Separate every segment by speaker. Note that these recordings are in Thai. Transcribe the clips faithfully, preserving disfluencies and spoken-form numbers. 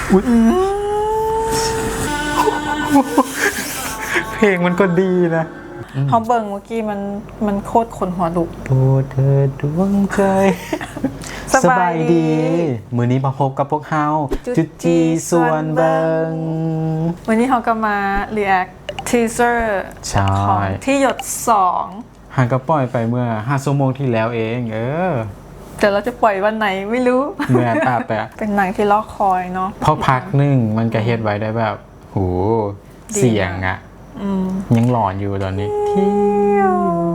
Speaker 1: อุ๊ยเพลงมันก็ดีนะ
Speaker 2: พอเบิ่งเมื่อกี้มันมันโคตรขนหัวลุก
Speaker 1: โปรดเธอดวงใจสบายดีมื้อนี้มาพบกับพวกเฮาจุดจีส่วนเบิง
Speaker 2: วันนี้เขาก็มา react teaser ของที่หยดสอง
Speaker 1: ห่างก็ปล่อยไปเมื่อห้าชั่วโมงที่แล้วเองเออ
Speaker 2: แต่เราจะปล่อยวันไหนไม่รู้
Speaker 1: เมื่อตาแต่
Speaker 2: เป็นหนังที่รอคอยเนาะ
Speaker 1: พอพักหนึ่งมันก็เฮ็ดไว้ได้แบบโหเสียงอะยังหลอนอยู่ตอนนี้เที่ยว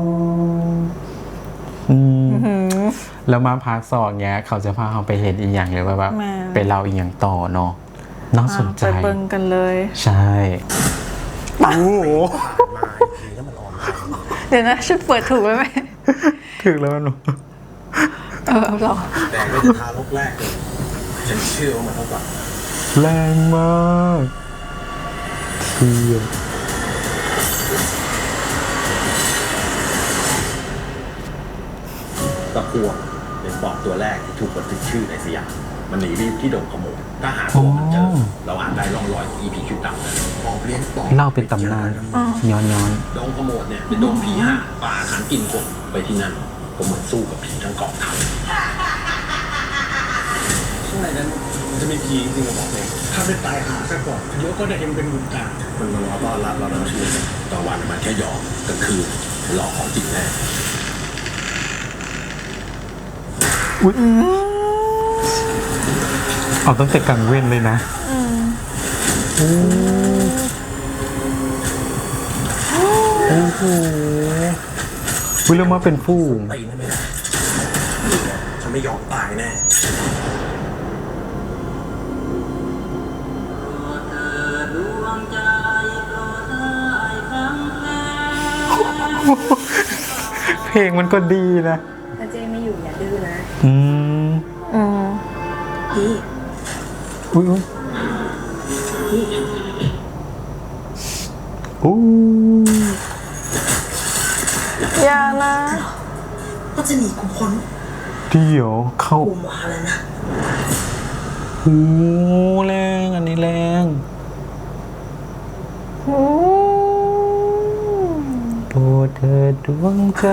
Speaker 1: แล้วมาพักสองเนี้ยเขาจะพาเราไปเห็นอีกอย่างเลยว่าแบบไปเล่าอีกอย่างต่อเนาะน่าสนใจ
Speaker 2: ไปเบิ่งกันเลย
Speaker 1: ใช่ปังโห
Speaker 2: เดี๋ยวนะฉันเปิดถูกไหม
Speaker 1: ถูกแล้วมัน
Speaker 2: เออเรา
Speaker 3: แต่ก็จะทารกแรกเลยฉันเชื่อว่ามันต้องแบบ
Speaker 1: แรงมากเที่ยว
Speaker 3: ตะพวงเป็นปอบตัวแรกที่ถูกบันทึกชื่อในสยามมันหนีไปที่ดงขโมยถ้าหาตัวมันเจอเราอาจได้ร่องรอยของอีพีชุดดำนั้นปอบเลี้ยงปอบ
Speaker 1: เล่าเป็นตำนานย้อนย้อน
Speaker 3: ดงขโมยเนี่ยเป็นดงผีห่าป่าฐานกินคนไปที่นั่นก็เหมือนสู้กับผีทั้งกองทัพข้างในนั้นมันจะมีผีจริงๆบอกเลยถ้าไม่ตายหาซะก่อนเดี๋ยวก็ได้เห็นเป็นบุญตามันมารอต้อนรับเราทั้งชีวิตตะวันมันแค่หยอกกลางคืนหลอกของจริงแน่
Speaker 1: อุ๊ยเอาตั้งแต่กลางเว้นเลยนะโอ้โหวิลมาเป็นผู้
Speaker 3: ตีนั่นไม่ได้ฉันไม่ยอมตายแน่
Speaker 1: เพลงมันก็ดีนะ
Speaker 4: ถ้าเจ๊ไม่อยู่อย่าดื้อนะ
Speaker 1: อืม
Speaker 2: อืม
Speaker 4: พี่
Speaker 1: อุ้ยอุ้ย
Speaker 4: พี่
Speaker 1: อู้
Speaker 2: อย่านะ
Speaker 4: ก็จะหนีกูพ้น
Speaker 1: เดี๋ยวเข้า
Speaker 4: กูมาแล้วนะ
Speaker 1: โอ้แรงอันนี้แรง
Speaker 2: โอ้
Speaker 1: โปรดเธอดวงใจ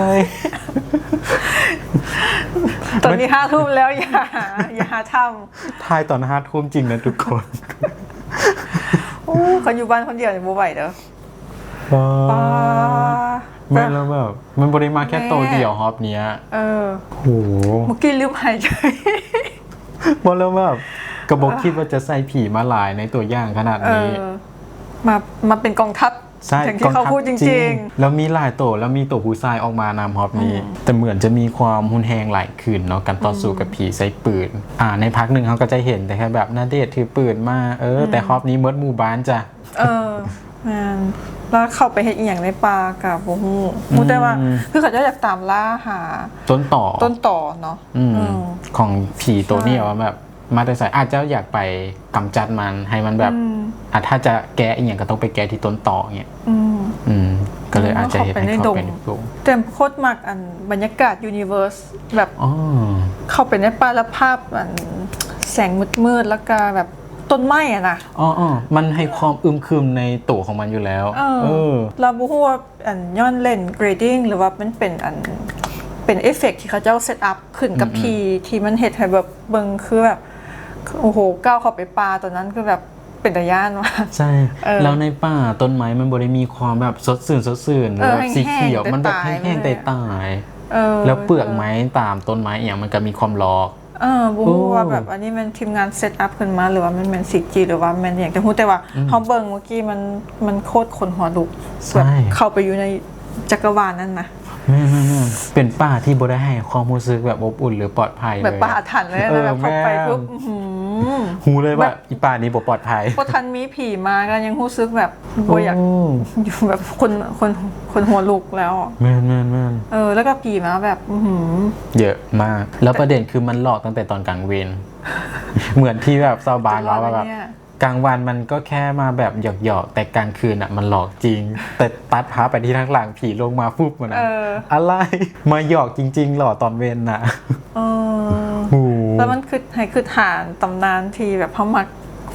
Speaker 2: ตอนนี้ห้าทุ่มแล้วอย่าอย่าหาท
Speaker 1: ำทายตอนห้าทุ่มจริงนะทุกคน
Speaker 2: โอ้คนอยู่บ้านคนเดียวเนี่ยบ่ไหวเด้อ
Speaker 1: ป้าแม่แล้วแบบมันบริมาแค่โตเดียวฮอปเนี้ย
Speaker 2: เออ
Speaker 1: โห
Speaker 2: เมื่อกี้ลืมหายใจ
Speaker 1: บอกแล้วแบบกระบอกคิดว่าจะใส่ผีมาหลายในตัวอย่างขนาดนี้
Speaker 2: มามาเป็นกองทัพ
Speaker 1: ใช่
Speaker 2: ที่เขาพูดจริง
Speaker 1: ๆแล้วมีหลายตัวแล้วมีตัวผู้ชายออกมานำฮอปนี้แต่เหมือนจะมีความหุนแหงหลายคืนเนาะการต่อสู้กับผีใส่ปืนอ่าในพักหนึ่งเขาก็จะเห็นแต่แค่แบบนาเดชถือปืนมาเออแต่ฮอปนี้เมิดหมู่บ้านจ้ะ
Speaker 2: เออแมนแล้วเข้าไปเห็นอีกอย่างในป่ากับโบฮูมูแต่ว่าคือเขาจะอยากตามล่าหา
Speaker 1: ต้นต่อ
Speaker 2: ต้นต่อเนาะ
Speaker 1: ของผีตัวนี้ว่าแบบมาแต่สายอาจจะอยากไปกำจัดมันให้มันแบบอ่ะถ้าจะแก้อีกอย่างก็ต้องไปแก้ที่ต้นต่อเงี้ยอืมก็เลยอาจจะเห็นให้เข้าไปในดง
Speaker 2: แต่โคตรมากอันบรรยากาศยูนิเวอร์สแบบเข้าไปในป่าแล้วภาพอันแสงมืดๆแล้วก็แบบต้นไม้อะนะ
Speaker 1: อ๋อมันให้ความอึมครึมในตัวของมันอยู่แล้วเออ
Speaker 2: เราบูฮูว่าอันย้อนเล่นเกรดดิ้งหรือว่ามันเป็นอันเป็นเอฟเฟกต์ที่เขาเจ้าเซตอัพขึ้นกับพีที่มันเห็ดให้แบบเบิ่งคือแบบโอ้โหก้าวเข้าไปป่าตอนนั้นคือแบบเป็นตะย่านว่ะ
Speaker 1: ใช่แล้วในป่าต้นไม้มันบริมีความแบบสดชื่นสดชื่นหรือแบบสีเขียวมันแบบแห้งๆตายๆแล้วเปลือกไม้ตามต้นไม้อย่างมันก็มีความหลอก
Speaker 2: เออบูว่าแบบอันนี้มันทีมงานเซตอัพขึ้นมาหรือว่ามันเป็นซีจีหรือว่ามันอย่างแต่พูดแต่ว่าเขาเบิ่งเมื่อกี้มันมันโคตรขนหัวลุกแบบเข้าไปอยู่ในจักรวาลนั่นนะ
Speaker 1: ไม่ไม่ไม่เป็นป่าที่บ่ได้ให้ความรู้สึกแบบอบอุ่นหรือปลอดภัยเลย
Speaker 2: แบบป่าถันเลยนะแบบเข้าไปปุ๊บ
Speaker 1: หูเลยว่าอีป่านี้บ่ปลอดภัย
Speaker 2: พอทันมีผีมาก็ยังรู้สึกแบบบ่อยากอยู่แบบคนคนคนหัวลุกแล้ว
Speaker 1: แม่นแม่นแม่น
Speaker 2: เออแล้วก็ผีมาแบบ
Speaker 1: เยอะมากแล้วประเด็นคือมันหลอกตั้งแต่ตอนกลางเวรเหมือนที่แบบชาวบ้านเราแบบกลางวันมันก็แค่มาแบบหยอกๆแต่กลางคืนอ่ะมันหลอกจริงแต่ตัดพาไปที่ทางหลังผีลงมาฟุบมันอะไรมาหยอกจริงๆหลอกตอนเวรน่ะ
Speaker 2: แล้วมันคือให้คือฐานตำนานที่แบบเขามัก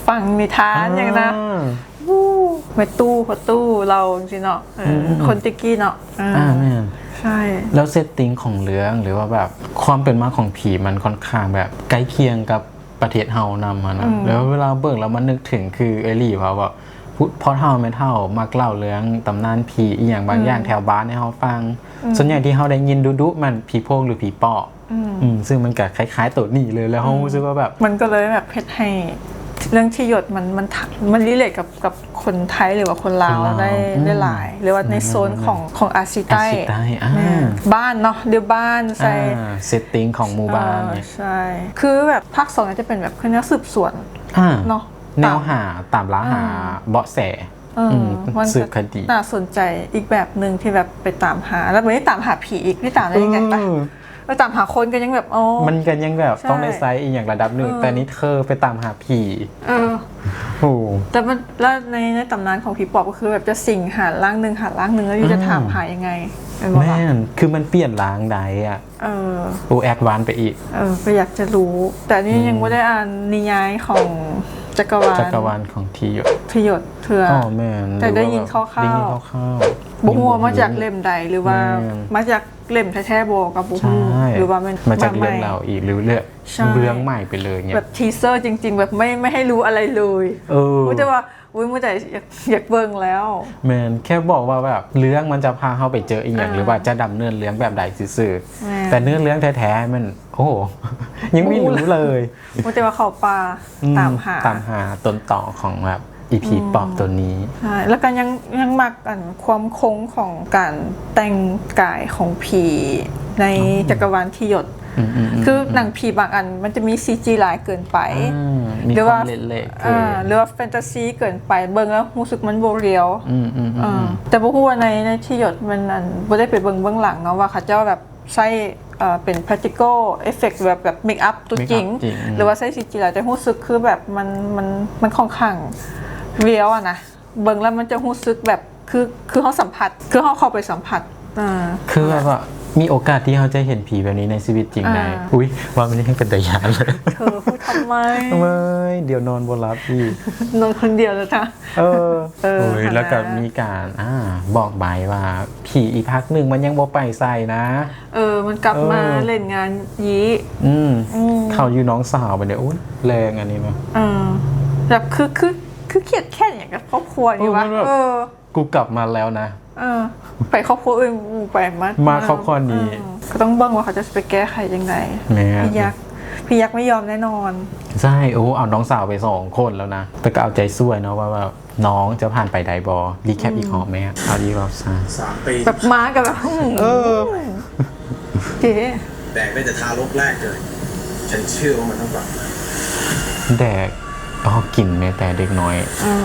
Speaker 2: ฟังนิทานอย่างนะวู้ไปตู้พอตู้เราจริงๆเนาะเออคนติกกี้เนาะอ่า
Speaker 1: อ่าแม่น
Speaker 2: ใช่
Speaker 1: แล้วเซตติ้งของเรื่องหรือว่าแบบความเป็นมาของผีมันค่อนข้างแบบใกล้เคียงกับประเทศเฮานำมานะแล้วเวลาเบิ่งแล้วมันนึกถึงคือเอลี่ว่าแบบพอเท่าไม่เท่ามักเล่าเรื่องตำนานผีอีหยังบางอย่างแถวบ้านให้เฮาฟังส่วนใหญ่ที่เฮาได้ยินดุๆมันผีโพงหรือผีปอบอืมซึ่งมันก็คล้ายๆตัวนี้เลยแล้วเฮารู้สึกว่าแบบ
Speaker 2: มันก็เลยแบบเพชรให้เรื่องที่หยดมันมันมันรีเลทกับกับคนไทยหรือว่าคนลาวได้ได้หลายหรือว่าในโซนของของอาซีใต้บ้านเนาะเดี๋ยวบ้านใส่
Speaker 1: เซตติ้งของหมู่บ้านเนี่ย
Speaker 2: ใช่คือแบบภาคสองจะเป็นแบบคือแนวสืบสวนเนาะ
Speaker 1: แนวหาตามล่าหาเบาะแสสืบคดี
Speaker 2: น่าสนใจอีกแบบหนึ่งที่แบบไปตามหาแล้วไม่ได้ตามหาผีอีกไม่ตามได้ยังไงปะไปตามหาคนกันยังแบบอ๋อ
Speaker 1: มันกันยังแบบต้องได้ไซส์อีกอย่างระดับหนึ่งแต่นี้เธอไปตามหาผี
Speaker 2: เออโอ้แต่มันแล้วในในตำนานของผีปอบก็คือแบบจะสิงหาร่างหนึ่งหาร่างหนึ่งแล้วอยู่จะถามหายังไง
Speaker 1: แม่นคือมันเปลี่ยนร่างใดอ่ะเออโอแอดวานไปอีก
Speaker 2: เออก็อยากจะรู้แต่นี่ยังไม่ได้อ่านนิยายของจักรวาล
Speaker 1: จักรวาลของทีหยด
Speaker 2: ทีหยดเถื่อ
Speaker 1: อ๋อแม่น
Speaker 2: แต่ได้ยินคร่าวๆได้ยินคร่าวๆบุหัวมาจากเล่มใดหรือว่ามาจากเล่มแท้ๆโบกับบุหัวหรือว่ามัน
Speaker 1: มาจากเรื่องเราอีกหรือเรื่องเรื่องใหม่ไปเลยเนี่ย
Speaker 2: แบบทีเซอร์จริงๆแบบไม่ไม่ให้รู้อะไรเลยเออไม่ใช่ว่าอุ้ยเมื่อแต่อยากเบิ่งแล้ว
Speaker 1: แมนแค่บอกว่าแบบเรื่องมันจะพาเข้าไปเจออีกอย่างหรือว่าจะดำเนินเรื่องแบบใดซื่อๆแต่เนื้อเรื่องแท้ๆมันโอ้ยังไม่รู้เลย
Speaker 2: เมื่อแต่ว่าเขาปลาตามหา
Speaker 1: ตามหาต้นต่อของแบบอีพีปอบตัวนี้
Speaker 2: ใช่แล้วก็ยังยังมักกันความคงของการแต่งกายของผีในจักรวาลที่หยดคือหนังผีบางอันมันจะมี ซี จี หลายเกินไป
Speaker 1: หรือว่า
Speaker 2: หรือว่าแฟนตาซีเกินไปเบิ่งแล้วรู้สึกมันโบเรียวแต่บ่ฮู้ว่าในในที่หยดมันอันบ่ได้ไปเบิ่งเบื้องหลังเนาะว่าเขาเจ้าแบบใช้เป็น practical effect แบบแบบ make up ตัวจริงหรือว่าใช้ ซี จี หลายแต่รู้สึกคือแบบมันมันมันค่อนข้างเรียวอะนะเบิ่งแล้วมันจะรู้สึกแบบคือคือเฮาสัมผัสคือเฮาเข้าไปสัมผัส
Speaker 1: คือแบบว่ามีโอกาสที่เขาจะเห็นผีแบบนี้ในชีวิตจริงได้อุ้ยว่ามันยังเป็นตายานเลย
Speaker 2: เธอพูดทำไม
Speaker 1: ทำไมเดี๋ยวนอนบนรับพี่
Speaker 2: นอนคนเดียวแล้วจ้ะ
Speaker 1: เออเออแล้วก็มีการอ่าบอกใบว่าผีอีกพักหนึ่งมันยังบ่ไปใส่นะ
Speaker 2: เออมันกลับมาเล่นงานยี้
Speaker 1: อืมเขาอยู่น้องสาวไปเนี่ยอุ้ยแรงอันนี้มั้ย
Speaker 2: เออแบบคือคือคือเครียดแค่อย่างกับครอบครัวอยู่วะ
Speaker 1: เออกูกลับมาแล้วนะ
Speaker 2: เออไปครอบครัวอื่นไปมา
Speaker 1: มาครอบครัวนี้
Speaker 2: ก็ต้องเบิ่งว่าเขาจะไปแก้ไขยังไงพี่ยักษ์พี่ยักษ์ไม่ยอมแน่นอน
Speaker 1: ใช่โอ้เอาน้องสาวไปสองคนแล้วนะแต่ก็เอาใจช่วยเนาะว่าแบบน้องจะผ่านไปไดบอรีแคปอีกหอมไหมเอาดีรอบซา
Speaker 3: สามปี
Speaker 2: แบบมากับแบบเออเจ๊
Speaker 3: แดกได้แต่ทารกแรกเลยฉันเชื่อว่ามันต้องกลับ
Speaker 1: แดกอ๋อกลิ่นแม้แต่เด็กน้อย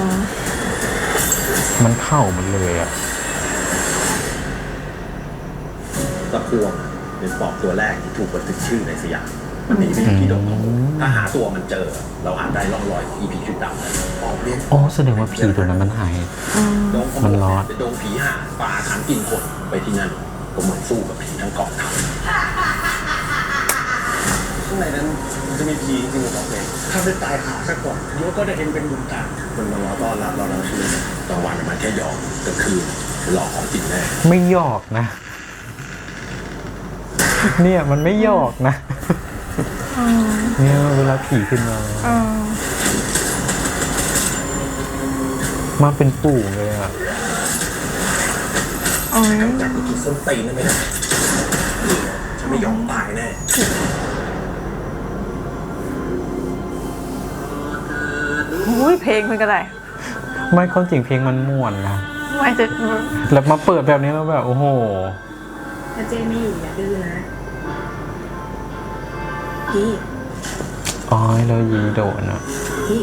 Speaker 1: มันเข้ามันเลยอะ
Speaker 3: ตะพวงเป็นปอบตัวแรกที่ถูกบันทึกชื่อในสยามมันหนีไปอยู่ที่ดงถ้าหาตัวมันเจอเราอาจได้ร่องรอยของอีพีชุดดำปอบเลี้ยง
Speaker 1: อ๋อแสดงว่าผีตัวนั้นมันหายมันรอด
Speaker 3: เป็นดงผีหาป่าขังกินคนไปที่นั่นก็เหมือนสู้กับผีทั้งกองทัพข้างในนั้นมันจะมีผีจริงหรือเปล่าเนี่ยถ้าได้ตายหาซะก่อนเดี๋ยวก็ได้เห็นเป็นบุญตามันมารอต้อนรับเราเราชื่อกลางวันมันแค่หยอกกลางคืนหลอกของจริงแน่
Speaker 1: ไม่หยอกนะเนี่ยมันไม่หยอกนะเนี่ยเวลาผีขึ้นมามาเป็นปู่เลยอ่ะ
Speaker 3: จากกูกินส้นตีนได้ไหมนะฉันไม่ยอมตายแน่
Speaker 2: อุ้ยเพลงมันก็ได้
Speaker 1: ไม่ความจริงเพลงมันม่วนนะ
Speaker 2: ไม่จะ
Speaker 1: แล้วมาเปิดแบบนี้แล้วแบบโอ้โห
Speaker 4: ถ้าเจ๊ไม่อยู่อย่าดื้อนะพี่
Speaker 1: อ๋อแล้วยีโดนอ่ะ
Speaker 4: พี่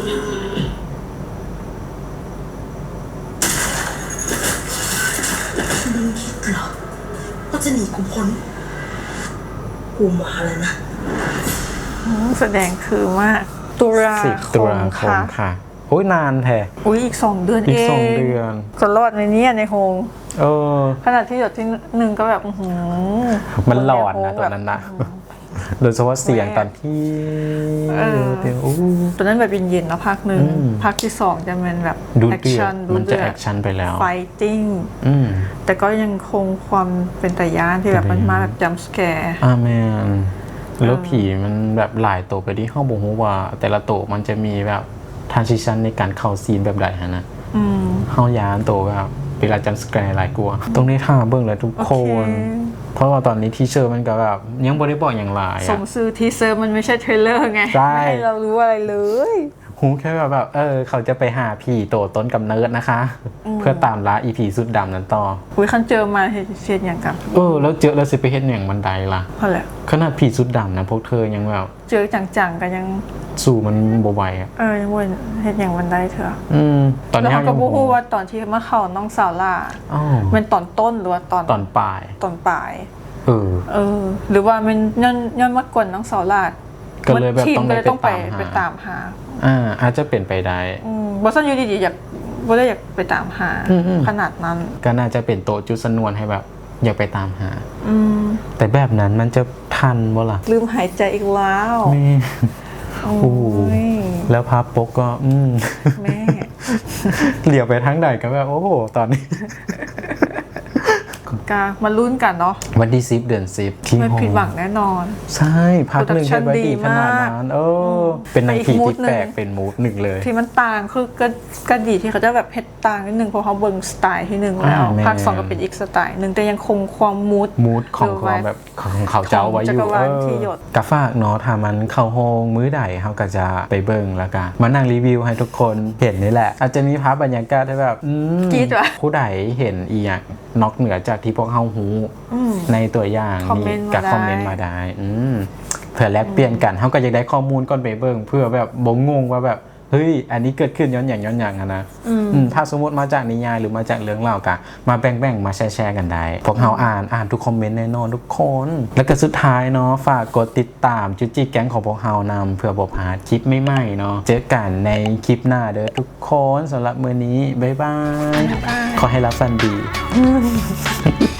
Speaker 4: มึงคิดเหรอว่าจะหนีกูพ้นกูมาแล้วนะ
Speaker 2: แสดงคือมากตุลา
Speaker 1: คมค่ะโอ้ยนานแท้
Speaker 2: อุ้ยอีกสองเดือนเองอี
Speaker 1: กสองเดือน
Speaker 2: ก็รอดในนี้ในโฮง
Speaker 1: เออ
Speaker 2: ขนาดที่หยดที่หนึ่งก็แบบ
Speaker 1: มันหลอดนะตอนนั้นนะโดยเฉพาะเสียงตอนที่
Speaker 2: เออ
Speaker 1: เดี๋ยวอู้
Speaker 2: ตอนนั้นแบบเย็นๆแล้วภาคหนึ่ง
Speaker 1: อืม
Speaker 2: ภาคที่สองจะเป็นแบบ
Speaker 1: ดู
Speaker 2: แอค
Speaker 1: เดือ
Speaker 2: ชั่
Speaker 1: ด
Speaker 2: นดู
Speaker 1: มัน
Speaker 2: เดื
Speaker 1: จะ
Speaker 2: อ
Speaker 1: แอ
Speaker 2: ด
Speaker 1: คชั่นไปแล้ว
Speaker 2: ไฟติ้ง
Speaker 1: อืม
Speaker 2: แต่ก็ยังคงความเป็นตะยานที่แบบมันมาแบบจัมป์สแกร์
Speaker 1: อาแมนแล้วผีมันแบบหลายตัวไปที่ห้องบงฮูว่า แต่ละตัวมันจะมีแบบทรานซิชันในการเข้าซีนแบบใดฮะนะ
Speaker 2: อืม
Speaker 1: ห้องยานตัวแบบเวลาจัมป์สแกร์หลายกลัวตรงนี้ท่าเบิ่งเลยทุก
Speaker 2: โอ
Speaker 1: ค
Speaker 2: เคน
Speaker 1: เพราะว่าตอนนี้ที่เชอร์มันก็แบบยังบ่ได้บอกอย่างไร
Speaker 2: ส
Speaker 1: อะ
Speaker 2: มซื้อทีเซอร์มันไม่ใช่เทรลเลอร์ไง
Speaker 1: ใช่
Speaker 2: ไม่ให้เรารู้อะไรเลย
Speaker 1: หูแค่แบบแบบเออเขาจะไปหาผีตัวต้นกำเนิดนะคะ เพื่อตามล่าอีผีสุดดำนั้นต่อ
Speaker 2: อุ้ยคันเจอมาเห็นเสียนอย่างกับ
Speaker 1: เออแล้วเจอแล้วสิไปเฮ็ดอย่างบันไดล่ะ
Speaker 2: พอแหละ
Speaker 1: ขนาดผีสุดดำนะพวกเธอยังแบบ
Speaker 2: เจอจังๆกันยัง
Speaker 1: สู้มันบ่ไหวอ่ะ
Speaker 2: เออยังวนเห็นอย่างวันได้เถอะ
Speaker 1: อืมตอน
Speaker 2: แล้ว
Speaker 1: นี้
Speaker 2: เขาก็
Speaker 1: ยัง
Speaker 2: บูฮู้ว่าตอนที่มาเข้าน้องสาวล่า
Speaker 1: อ๋อ
Speaker 2: เป็นตอนต้นหรือว่าตอน
Speaker 1: ตอนปลาย
Speaker 2: ตอนปลาย
Speaker 1: เออ
Speaker 2: เออ หรือว่ามันย้อนย้อนมากวนน้องสาวล่า
Speaker 1: ก็เลยแบบ
Speaker 2: ทีม
Speaker 1: ต้อง
Speaker 2: ก็
Speaker 1: ได้
Speaker 2: เลยต้องไป
Speaker 1: ไป
Speaker 2: ไป
Speaker 1: ตา
Speaker 2: ตาม มหา
Speaker 1: อ่าอาจจะเป็นไปได้
Speaker 2: อืมบอสันอยู่ดีๆอยากบ่ได้อยากไปตามหา
Speaker 1: อืมๆ
Speaker 2: ขนาดนั้น
Speaker 1: ก็น่าจะเป็นโตะจุดสนวนให้แบบ อยากไปตามหา
Speaker 2: อืม
Speaker 1: แต่แบบนั้นมันจะทันบ่ล่ะ
Speaker 2: ลืมหายใจอีกแล้ว
Speaker 1: แม่
Speaker 2: โอ้
Speaker 1: โอ้โห
Speaker 2: ย
Speaker 1: แล้วภาพปกก็ อืม
Speaker 2: แม่
Speaker 1: เหลียวไปทั้งใดก็แบบโอ้โหตอนนี้
Speaker 2: กามาลุ้นกันเนาะ
Speaker 1: วันที่สิบเดือนสิบที่
Speaker 2: ไม่
Speaker 1: โฮ
Speaker 2: ผิดหวังแน่นอน
Speaker 1: ใช่พักหนึ่ง
Speaker 2: Production
Speaker 1: แค่ดีขนาด
Speaker 2: ดีมาก
Speaker 1: นั้นเออเป็นหนังผี
Speaker 2: ไปอีกมูด
Speaker 1: ที่แปลก
Speaker 2: หนึ่ง
Speaker 1: เป็นมูดหนึ่งเลย
Speaker 2: ที่มันต่างคือก็ก็ดีที่เขาจะแบบเฮ็ดต่างนิดนึงเพราะเขาเบิ่งสไตล์ที่หนึ่งแล้ว
Speaker 1: อ่าแม่
Speaker 2: ภาคสองก็เป็นอีกสไตล์หนึ่งแต่ยังคงความมูด
Speaker 1: มูดของ
Speaker 2: เออ
Speaker 1: ความแบบของเขาเจ้าไว้อ
Speaker 2: จั
Speaker 1: ยู่
Speaker 2: กรวาล
Speaker 1: เออ
Speaker 2: ที่หยด
Speaker 1: กะฝากเนาะถ้ามันเข้าโฮงมื้อใดเขาก็จะไปเบิ่งแล้วกันมานั่งรีวิวให้ทุกคนเห็นนี่แหละ อาจจะมีภาพบรรยากาศที่แบบอืม
Speaker 2: กรี๊ดว่ะ
Speaker 1: ผู้ใดเห็นอีอย่างนอกเหนือจากที่พวกเฮาฮู้
Speaker 2: อืม
Speaker 1: ในตัวอย่าง
Speaker 2: คอมเม
Speaker 1: นี่
Speaker 2: นต์มา
Speaker 1: กับ
Speaker 2: ได้
Speaker 1: คอมเมนต์มาได้อืมเผื่อแลกเปลี่ยนกันเขาก็จะได้ข้อมูลก่อนไปเบิ่งเพื่อแบบบ่งงว่าแบบเฮ้ยอันนี้เกิดขึ้นย้อนอย่างย้อนอย่างอะนะ
Speaker 2: อืม
Speaker 1: อืมถ้าสมมติมาจากนิยายหรือมาจากเรื่องเล่ากะมาแบ่งๆมาแชร์ๆกันได้ พวกเราอ่านอ่านทุกคอมเมนต์แน่นอนทุกคน แล้วก็สุดท้ายเนาะฝากกดติดตามจุจิแก๊งของพวกเรานำเพื่อบ่พลาดคลิปใหม่ๆเนาะเจอกันในคลิปหน้าเด้อทุกคนสำหรับมื้อนี้บ๊ายบาย
Speaker 2: บ๊ายบาย
Speaker 1: ขอให้รับฟันดี